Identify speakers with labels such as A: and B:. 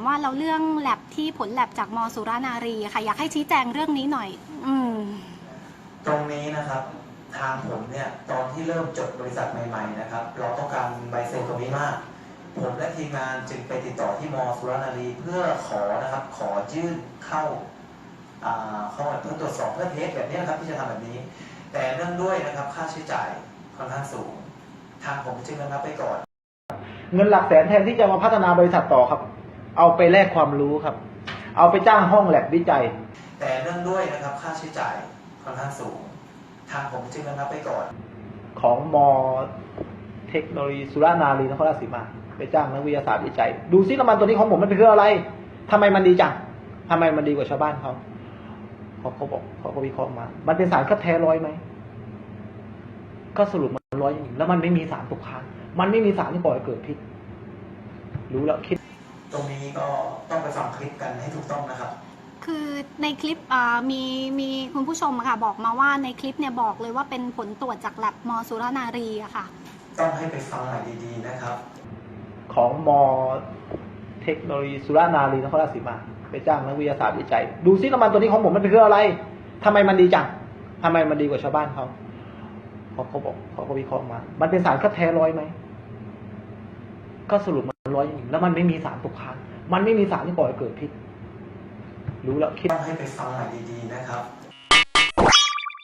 A: ว่าเราเรื่องแลบที่ผลแลบจากมสุรานารีค่ะอยากให้ชี้แจงเรื่องนี้หน่อย
B: ตรงนี้นะครับทางผมเนี่ยตอนที่เริ่มจดบริษัทใหม่ๆนะครับเราต้องการใบเซ็นตรงนี้มากผมและทีมงานจึงไปติดต่อที่มสุรานารีเพื่อขอนะครับขอยื่นเข้าเพื่อตรวจสอบเพื่อเทสแบบนี้นะครับที่จะทำแบบนี้แต่เนื่องด้วยนะครับค่าใช้จ่ายค่อนข้างสูงทางผมจึงระงับไปก่อน
C: เงินหลักแสนแทนที่จะมาพัฒนาบริษัทต่อครับเอาไปแลกความรู้ครับเอาไปจ้างห้องแลบวิจัย
B: แต่เนื่องด้วยนะครับค่าใช้จ่ายค่อนข้างสูงทางผมจึงระงับไปก่อน
C: ของมเทคโนโลยีสุรานารีนครราชสีมาไปจ้างนักวิทยาศาสตร์วิจัยดูซิน้ำมันตัวนี้ของผมมันเป็นคืออะไรทำไมมันดีจังทำไมมันดีกว่าชาวบ้านเขาบอกเขาก็วิเคราะห์มามันเป็นสารคัดแท้ร้อยไหมก็สรุปมันร้อยจริงแล้วมันไม่มีสารตกค้างมันไม่มีสารที่ก่อให้เกิดพิษรู้แล้วคิด
B: ตรงนี้ก็ต้องไปฟังคลิปกันให้ถูกต้องนะครับ
A: คือในคลิปมีคุณผู้ชมค่ะบอกมาว่าในคลิปเนี่ยบอกเลยว่าเป็นผลตรวจจากแลบมสุรานารีอะค่ะ
B: ต้องให้ไปฟังใหม่ดีๆนะครับ
C: ของมเทคโนโลยีสุรานารีนครราชสีมาไปจ้างนักวิทยาศาสตร์วิจัยดูซิน้ำมันตัวนี้ของผมมันเป็นคืออะไรทำไมมันดีจังทำไมมันดีกว่าชาวบ้านเขาบอกเขาก็วิเคราะห์มามันเป็นสารคัดแท้ร้อยไหมก็สรุปมันร้อยจริงแล้วมันไม่มีสารตกค้างมันไม่มีสารที่ก่อให้เกิดพิษรู้แล้วคิด
B: ต้องให้ไปฟังใหม่ดีๆนะครับ